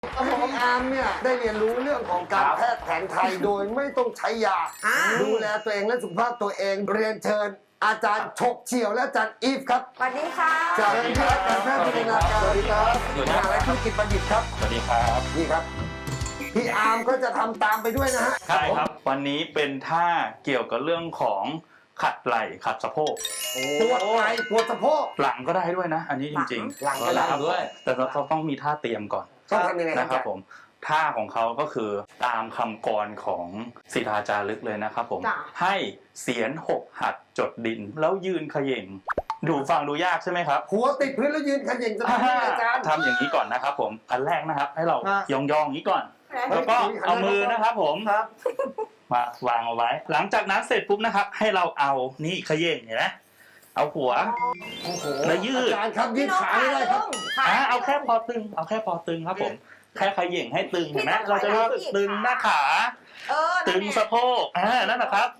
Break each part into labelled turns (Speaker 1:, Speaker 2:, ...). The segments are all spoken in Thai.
Speaker 1: พี่อาร์มเนี่ยได้เรียนรู้เรื่องของการแพทย์แผนไทยโดยไม่ต้องใช้ยาดูแลตัวเองและสุขภาพตัวเองเรียนเชิญอาจารย์ฉกเฉี่ยวและอาจารย์อีฟครับ
Speaker 2: สวัสดีค่ะ
Speaker 1: จากวิทยาการแพทย์จินตนาการสวัสดีครับมหาวิทยาลัยธุรกิจบัณฑิตครับ
Speaker 3: สวัสดีครับ
Speaker 1: นี่ครับพี่อาร์มก็จะทำตามไปด้วยนะฮะ
Speaker 3: ใช่ครับวันนี้เป็นท่าเกี่ยวกับเรื่องของขัดไหล่ขัดสะโพก
Speaker 1: ปวดไหล่ปวดสะโพก
Speaker 3: หลังก็ได้ด้วยนะ อันนี้จริงๆ
Speaker 1: หลังก็ได้ด้วย
Speaker 3: แต่เราต้องมีท่าเตรียมก่อน
Speaker 1: ต้องทำยังไง
Speaker 3: นะครับผมท่าของเขาก็คือตามคำกรของศิลาจารึกเลยนะครับผมให้เสียน6หัดจดดินแล้วยืนเขย่งดูฟังดูยากใช่ไหมครับ
Speaker 1: หัวติดพื้นแล้วยืนเขย่งจะทำยังไงอาจารย์
Speaker 3: ทำอย่างนี้ก่อนนะครับผมอันแรกนะครับให้เรายองๆอย่างนี้ก่อนแล้วก็เอามือนะครับผมมาวางเอาไว้หลังจากนั้นเสร็จปุ๊บนะครับให้เราเอานี่เขย่งเห็นไหมเอาหัว
Speaker 1: โอ้โห
Speaker 3: แล้วยืด
Speaker 1: อาจารย์ครับยืดขาไม่ได้ครับ
Speaker 3: เอาแค่พอตึงเอาแค่พอตึงครับผมแค่เขย่งให้ตึงเห็นไหมเราจะรู้สึกตึงหน้าขาตึงสะโพกนั่นแหละครับ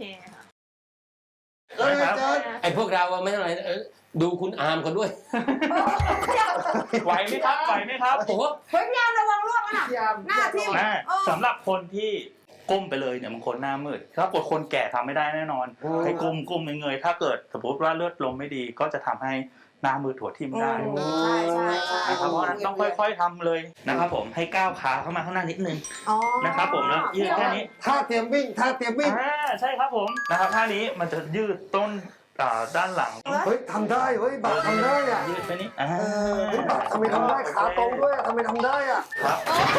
Speaker 1: อาจารย์
Speaker 4: ไอ้พวกเราไม่เท่าไหร่ดูคุณอาร์มเขาด้วย
Speaker 3: ไหวไหมครับไหวไหมครับ
Speaker 4: โอ้โห
Speaker 2: เฮ้ยยามระวังร่วงนะหน้าทิ่ม
Speaker 3: สำหรับคนที่ก้มไปเลยเนี่ยบางคนหน้ามืดถ้าเกิดคนแก่ทำไม่ได้แน่นอนให้ก้มเงยๆถ้าเกิดสมมติว่าเลือดลมไม่ดีก็จะทำให้หน้ามืดหัวทิ่มได้
Speaker 2: ใช่
Speaker 3: นะครับเพราะฉะนั้นต้องค่อยๆทำเลยนะครับผมให้ก้าวขาเข้ามาข้างหน้านิดนึงนะครับผมแล้วยืดแค่นี้
Speaker 1: ท่าเตรียมวิ่งท่าเตรียมวิ่ง
Speaker 3: ใช่ครับผมนะครับท่านี้มันจะยืดต้นด้านหลัง
Speaker 1: เฮ้ยทำได้เฮ้ยบัตรทำได้อ่ะ
Speaker 3: ยืดไปนี้
Speaker 1: เฮ้ยบัตรทำไมทำได้ขาตรงด้วยทำไมทำได้อ่ะ
Speaker 3: ครับ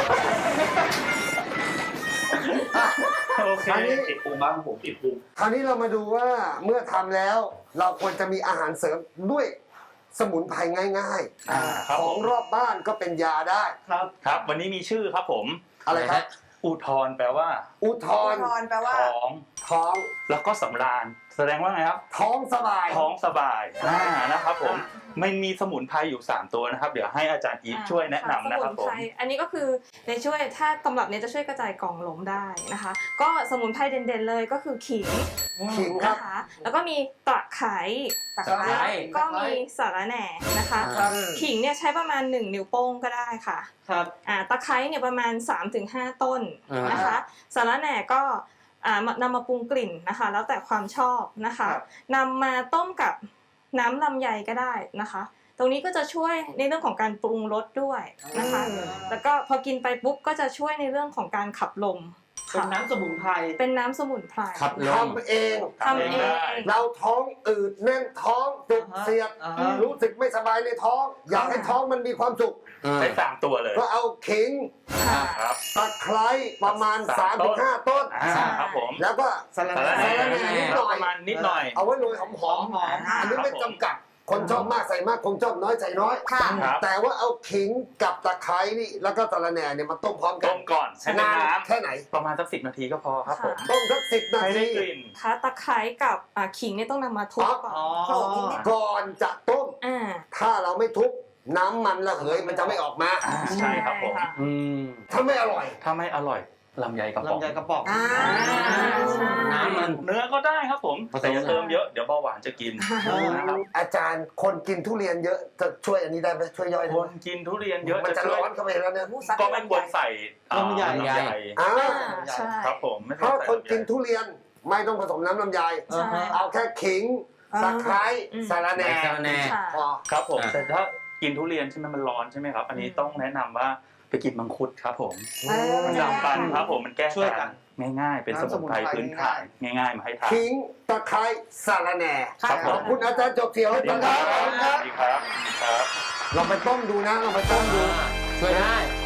Speaker 3: โอเคติดพุงบ้างผมติดพุง
Speaker 1: คราวนี้เรามาดูว่าเมื่อทำแล้ว เราควรจะมีอาหารเสริมด้วยสมุนไพรง่ายๆของรอบบ้านก็เป็นยาได้
Speaker 3: ครับวันนี้มีชื่อครับผม
Speaker 1: อะไรครับ
Speaker 3: อุทธรแปลว่า
Speaker 1: อุทธร
Speaker 2: แปลว่า
Speaker 1: ท้อง
Speaker 3: แล้วก็สำราญแสดงว่าไงครับ
Speaker 1: ท้องสบาย
Speaker 3: ท้องสบายนะครับผมมันมีสมุนไพรอยู่3ตัวนะครับเดี๋ยวให้อาจารย์อีฟช่วยแนะนำนะครับผม
Speaker 5: อันนี้ก็คือในช่วยถ้าตำรับนี้จะช่วยกระจายกล่องหลงได้นะคะก็สมุนไพรเด่นๆเลยก็คือขิง
Speaker 1: ขิงครับ
Speaker 5: นะคะแล้วก็มีตะไคร้ก็มีสาระแหน่นะคะขิงเนี่ยใช้ประมาณ1นิ้วโป้งก็ได้ค่ะตะไคร้เนี่ยประมาณ 3-5 ต้นนะคะสาระแหน่ก็นำมาปรุงกลิ่นนะคะแล้วแต่ความชอบนะคะนำมาต้มกับน้ำลำไยก็ได้นะคะตรงนี้ก็จะช่วยในเรื่องของการปรุงรสด้วยนะคะแล้วก็พอกินไปปุ๊บก็จะช่วยในเรื่องของการขับลม
Speaker 6: เป็นน้ำสมุนไพร
Speaker 5: เป็นน้ำสมุนไพร
Speaker 4: ขับลม
Speaker 1: ทำเองเราท้องอืดแน่นท้องจุกเสียดรู้สึกไม่สบายในท้อง อยากให้ท้องมันมีความสุข
Speaker 3: ใช้3ตัวเลย
Speaker 1: ก็เอาขิงตะไคร้ประมาณ 3-5 ต้น
Speaker 3: ครับผม
Speaker 1: แล้วก็สาระแหน่นิดหน่อย
Speaker 3: ประมาณนิดหน่อย
Speaker 1: เอาไว้โรยหอมๆอันนี้ไม่จำกัดคนชอบมากใส่มากคนชอบน้อยใส่น้อยแต่ว่าเอาขิงกับตะไคร้นี่แล้วก็สาระแหน่เนี่ยมาต้มพร้อมกัน
Speaker 3: ต้มก่อนใช้น้ำ
Speaker 1: แค่ไหน
Speaker 3: ประมาณสัก10 นาทีก็พอครับผม
Speaker 1: ต้มสัก10 นา
Speaker 3: ให้ได้
Speaker 1: ที
Speaker 3: กลิ่น
Speaker 5: ตะไคร้กับขิงเนี่ยต้องนำมาทุบ
Speaker 1: ก่อนจะต้มถ้าเราไม่ทุบน้ำมันระเหยมันจะไม่ออกมา
Speaker 3: ใช่ครับผม
Speaker 1: ถ้าไม่อร่อย
Speaker 3: ลำไยกระป๋อง
Speaker 4: น้ำมัน
Speaker 3: เนื้อก็ได้ครับผมแต่อย่าเติมเยอะเดี๋ยวเบาหวานจะกินนะครับ
Speaker 1: อาจารย์คนกินทุเรียนเยอะจะช่วยอันนี้ได้ไหมช่วยย่อยได้
Speaker 3: ค
Speaker 1: ไหม
Speaker 3: นกินทุเรียนเยอะ
Speaker 1: มันจะร้อนเข้าไปแล้วเนี่ย
Speaker 3: ก็ไม่ควรใส่ลำไยครับผม
Speaker 1: เพราะคนกินทุเรียนไม่ต้องผสมน้ำลำไยเอาแค่ขิงตะไคร้สาระแหน่พอ
Speaker 3: ครับผมแต่ถ้ากินทุเรียนใช่ไหมมันร้อนใช่ไหมครับอันนี้ต้องแนะนำว่าไปกินมังคุดครับผมมันดำปันครับผมมันแก้ช่วยกันง่ายๆเป็นสมุนไพรพื้นฐานง่ายๆมาให้ทาน
Speaker 1: ขิงตะไคร้สาระแหน่ขอบคุณอาจารย์จบเถียวให้ฟังครับ
Speaker 3: สวัสดีครับ
Speaker 1: เราไปต้มดูนะเราไปต้มดู
Speaker 4: ช่วยได้